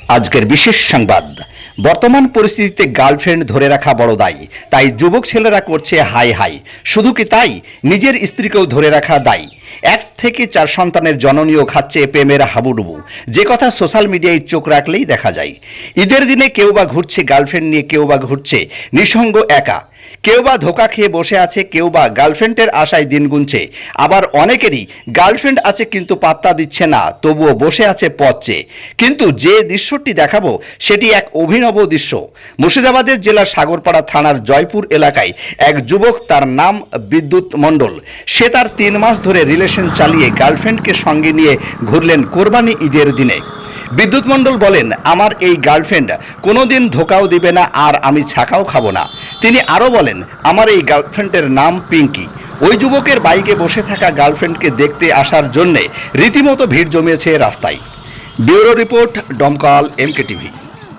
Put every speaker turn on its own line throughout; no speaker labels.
আজকের বিশেষ সংবাদ। বর্তমান পরিস্থিতিতে গার্লফ্রেন্ড ধরে রাখা বড় দায়ী, তাই যুবক ছেলেরা করছে হাই হাই। শুধু কি তাই, নিজের স্ত্রীকেও ধরে রাখা দায়ী। 1 থেকে 4 সন্তানের জননীও খাচ্ছে প্রেমের হাবুডুবু, যে কথা সোশ্যাল মিডিয়ায় চোখ রাখলেই দেখা যায়। ঈদের দিনে কেউ বা ঘুরছে গার্লফ্রেন্ড নিয়ে, কেউ বা ঘুরছে নিঃসঙ্গ একা, কেউ বা ধোকা খেয়ে বসে আছে, কেউ বা গার্লফ্রেন্ডের আশায় দিন গুনছে। আবার অনেকেরই গার্লফ্রেন্ড আছে কিন্তু পাত্তা দিচ্ছে না, তবুও বসে আছে পথ চেয়ে। কিন্তু যে দৃশ্যটি দেখাবো সেটি এক অভিনব দৃশ্য। মুর্শিদাবাদের জেলার সাগরপাড়া থানার জয়পুর এলাকায় এক যুবক, তার নাম বিদ্যুৎ মণ্ডল। সে তার 3 মাস ধরে রিলেশন চালিয়ে গার্লফ্রেন্ডকে সঙ্গে নিয়ে ঘুরলেন কোরবানি ঈদের দিনে। বিদ্যুৎ মণ্ডল বলেন, আমার এই গার্লফ্রেন্ড কোনোদিন ধোকাও দিবে না, আর আমি ছাকাও খাবো না। তিনি আরও বলেন, আমার এই গার্লফ্রেন্ডের নাম পিঙ্কি। ওই যুবকের বাইকে বসে থাকা গার্লফ্রেন্ডকে দেখতে আসার জন্যে রীতিমতো ভিড় জমিয়েছে রাস্তায়। Bureau report, Domkal MK TV.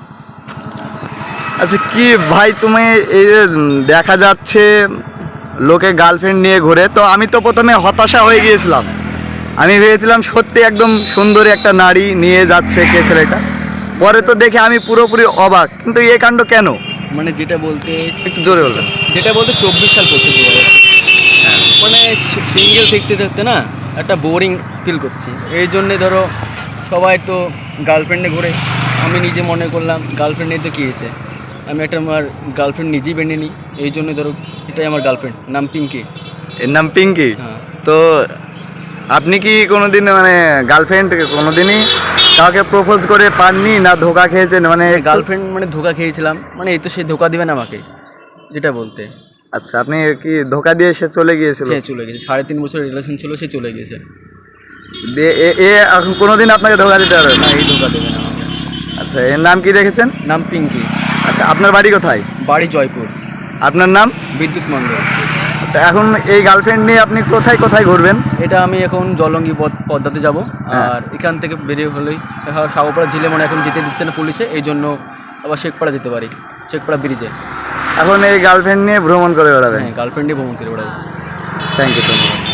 আচ্ছা, কি ভাই তুমি এই যে দেখা যাচ্ছে লোকে গার্লফ্রেন্ড নিয়ে ঘুরে, তো আমি তো প্রথমে হতাশা হয়ে গিয়েছিলাম। আমি ভেবেছিলাম সত্যি একদম সুন্দরী একটা নারী নিয়ে যাচ্ছে কে ছেলেটা। পরে তো দেখে আমি পুরোপুরি অবাক, কিন্তু এই কাণ্ড কেন?
মানে যেটা বলতে
একটু জোরে বলবেন।
24 সাল পড়তে মানে সিঙ্গেল দেখতে দেখতে না একটা বোরিং ফিল করছি। এই জন্যে ধরো সবাই তো গার্লফ্রেন্ডে ঘুরে, আমি নিজে মনে করলাম গার্লফ্রেন্ড নিয়ে তো কী হয়েছে, আমি একটা আমার গার্লফ্রেন্ড নিজেই বেঁধে নিই। এই জন্য ধরো এটাই আমার গার্লফ্রেন্ড, নাম পিঙ্কি।
এর নাম পিঙ্কি।
হ্যাঁ।
তো আপনি কি কোনোদিন মানে গার্লফ্রেন্ড কোনোদিনই কাউকে প্রপোজ করে পাননি, না ধোকা খেয়েছেন? মানে
গার্লফ্রেন্ড মানে ধোকা খেয়েছিলাম, মানে এই তো সে ধোকা দিবে না আমাকে, যেটা বলতে।
আচ্ছা, আপনি কি ধোকা দিয়ে সে চলে গিয়েছিল?
সে চলে গেছে, 3.5 বছর রিলেশন ছিল, সে চলে গেছে।
দিয়ে এ এখন কোনোদিন আপনাকে ধোকা দিতে পারবে না?
না, এই ধোকা দেবে না আমাকে।
আচ্ছা, এর নাম কি রেখেছেন?
নাম পিঙ্কি।
আচ্ছা, আপনার বাড়ি কোথায়?
বাড়ি জয়পুর।
আপনার নাম?
বিদ্যুৎ মণ্ডল।
তা এখন এই গার্লফ্রেন্ড নিয়ে আপনি কোথায় কোথায় ঘুরবেন?
এটা আমি এখন জলঙ্গি পদ্মাতে যাব,
হ্যাঁ।
আর এখান থেকে বেরিয়ে হলেই সাগরপাড়া জেলে মানে এখন যেতে দিচ্ছে না পুলিশে, এই জন্য আবার শেখপাড়া যেতে পারি, শেখপাড়া ব্রিজে।
এখন এই গার্লফ্রেন্ড নিয়ে ভ্রমণ করে বেড়াবেন?
হ্যাঁ, গার্লফ্রেন্ডে ভ্রমণ করে বেড়াবো।
থ্যাংক ইউ, ধন্যবাদ।